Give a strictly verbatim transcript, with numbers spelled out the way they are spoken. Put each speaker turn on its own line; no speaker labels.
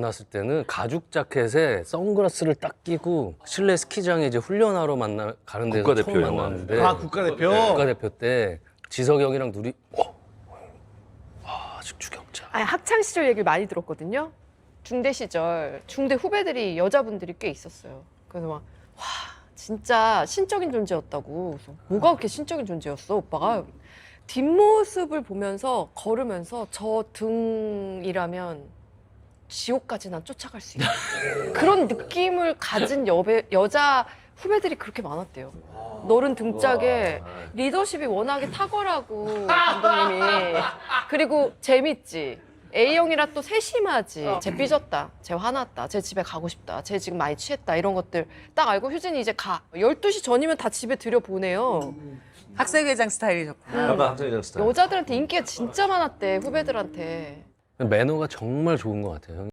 만났을 때는 가죽 자켓에 선글라스를 딱 끼고 실내 스키장에 이제 훈련하러 만나 가는 데서
국가대표
처음
영화.
만났는데
아 국가대표.
국가대표 때 지석이 형이랑 둘이 어? 아, 아직 주경자.
아니, 학창 시절 얘기를 많이 들었거든요. 중대 시절 중대 후배들이 여자분들이 꽤 있었어요. 그래서 막 와 진짜 신적인 존재였다고. 그래서 뭐가 그렇게 신적인 존재였어 오빠가. 뒷모습을 보면서 걸으면서 저 등이라면 지옥까지 난 쫓아갈 수 있다. 그런 느낌을 가진 여배, 여자 후배들이 그렇게 많았대요. 너른 등짝에 리더십이 워낙에 탁월하고 감독님이. 그리고 재밌지. A형이라 또 세심하지. 쟤 삐졌다. 쟤 화났다. 쟤 집에 가고 싶다. 쟤 지금 많이 취했다. 이런 것들 딱 알고 효진이 이제 가. 열두 시 전이면 다 집에 들여보내요.
학생회장 스타일이셨구나.
약간 학생회장 스타일.
여자들한테 인기가 진짜 많았대. 후배들한테.
매너가 정말 좋은 것 같아요. 형이.